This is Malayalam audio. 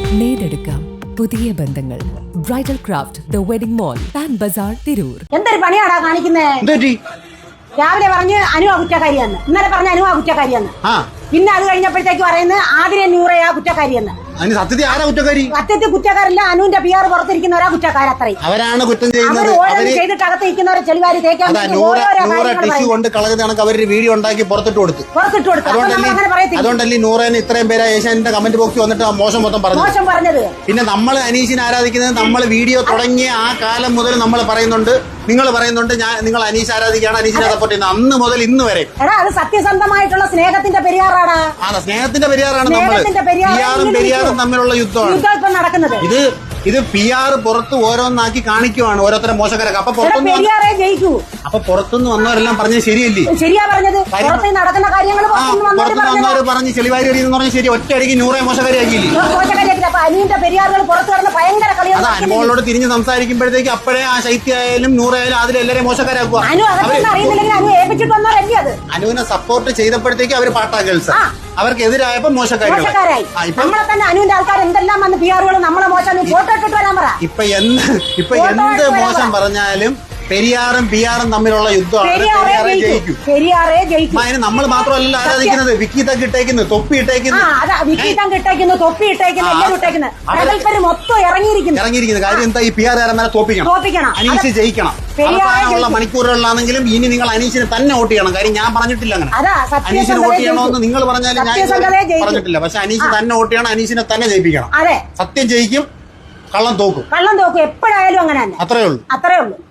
നേടെടുക്കാം പുതിയ ബന്ധങ്ങൾ. Bridal craft the wedding mall, Pan Bazaar, Tirur. എന്തൊരു പണിയാടാ കാണിക്കുന്നേ? രാവിലെ പറഞ്ഞ് അനു കുറ്റക്കാരിയെന്ന്, ഇന്നലെ പറഞ്ഞ അനു കുറ്റക്കാരിയെന്ന്, പിന്നെ അത് കഴിഞ്ഞപ്പോഴത്തേക്ക് പറയുന്നത് ആതിരെ നൂറയാ കുറ്റക്കാരിയെന്ന്. സത്യത്തിൽ ആരാ കുറ്റക്കാരി? സത്യത്തിൽ കുറ്റക്കാരല്ല, അനുവിന്റെ PR പുറത്തിരിക്കുന്നവരാ കുറ്റക്കാരത്രയും. അവരാണ് കുറ്റം ചെയ്യുന്നത്. ചെയ്തിട്ട് അകത്തിരിക്കുന്നവരെ ചെളിവാരി തേക്കാൻ കൊണ്ട് കളഞ്ഞ കണക്ക് അവര് വീഡിയോ ഉണ്ടാക്കി പുറത്തിട്ട് കൊടുത്തു. അതുകൊണ്ടല്ലേ നൂറേന് ഇത്രയും പേര് ഏഷ്യാനെറ്റിന്റെ കമന്റ് ബോക്സിൽ വന്നിട്ട് മോശം മൊത്തം പറഞ്ഞത്. പിന്നെ നമ്മൾ അനീഷിനെ ആരാധിക്കുന്നത് നമ്മൾ വീഡിയോ തുടങ്ങിയ ആ കാലം മുതൽ നമ്മൾ പറയുന്നുണ്ട്, നിങ്ങൾ പറയുന്നുണ്ട് നിങ്ങൾ അനീഷ് ആരാധിക്കുകയാണ്, അനീഷിനെ സപ്പോർട്ട് ചെയ്യുന്നത് അന്ന് മുതൽ ഇന്ന് വരെ. അത് സത്യസന്ധമായിട്ടുള്ള സ്നേഹത്തിന്റെ പെരിയാറാണ്. സ്നേഹത്തിന്റെ പെരിയാറാണ് നമ്മൾ പെരിയാറും തമ്മിലുള്ള യുദ്ധമാണ് നടക്കുന്നത്. ഇത് PR പുറത്ത് ഓരോന്നാക്കി കാണിക്കുവാണ് ഓരോരുത്തരെ മോശക്കാരൊക്കെ. അപ്പൊ പുറത്തുനിന്ന് വന്നവരെല്ലാം പറഞ്ഞത് ശരിയല്ലേ? ശരിയാ പറഞ്ഞത്. നടക്കുന്ന കാര്യങ്ങൾ വന്നവര് പറഞ്ഞ് ചെളിവാരി എന്ന് പറഞ്ഞ ശരി, ഒറ്റയടിക്ക് നൂറെ മോശക്കാരിയാക്കിയില്ലേ? അത് അനുമോളോട് തിരിഞ്ഞ് സംസാരിക്കുമ്പോഴത്തേക്ക് അപ്പോഴേ ആ ശൈത്യായാലും നൂറായാലും അതിലെല്ലാരെയും മോശക്കാരാക്കുക. അനുവിനെ സപ്പോർട്ട് ചെയ്തപ്പോഴത്തേക്ക് അവര് പാട്ടാ ഗേൾസ്, അവർക്ക് എതിരായപ്പോ മോശക്കാരായി. അനുവിന്റെ ആൾക്കാർ എന്തെല്ലാം വന്ന് PR നമ്മളെ മോശം ഫോട്ടോ ഇട്ടിട്ട് വരാൻ പറ. ഇപ്പൊ എന്ത് മോശം പറഞ്ഞാലും പെരിയാറും PR തമ്മിലുള്ള യുദ്ധമാണ്. പെരിയാറേ ജയിക്കും. അതിന് നമ്മൾ മാത്രമല്ല ആരാധിക്കുന്നത്, വിക്കിതക്ക് ഇട്ടേക്കുന്നു, തൊപ്പി ഇട്ടേക്കുന്നു, മൊത്തം ഇറങ്ങിയിരിക്കുന്നത്. കാര്യം എന്താ? ഈ PR കാരന്മാരെ തോപ്പിക്കണം, അനീഷ് ജയിക്കണം. അവസാനമുള്ള മണിക്കൂറുകളിലാണെങ്കിലും ഇനി നിങ്ങൾ അനീഷിന് തന്നെ വോട്ട് ചെയ്യണം. കാര്യം ഞാൻ പറഞ്ഞിട്ടില്ല അങ്ങനെ അനീഷിന് വോട്ട് ചെയ്യണമെന്ന് നിങ്ങൾ പറഞ്ഞാലും ഞാൻ പറഞ്ഞിട്ടില്ല. പക്ഷെ അനീഷ് തന്നെ വോട്ട് ചെയ്യണം, അനീഷിനെ തന്നെ ജയിപ്പിക്കണം. സത്യം ജയിക്കും, കള്ളം തോക്കും. എപ്പോഴായാലും അങ്ങനെ തന്നെ. അത്രേ ഉള്ളൂ.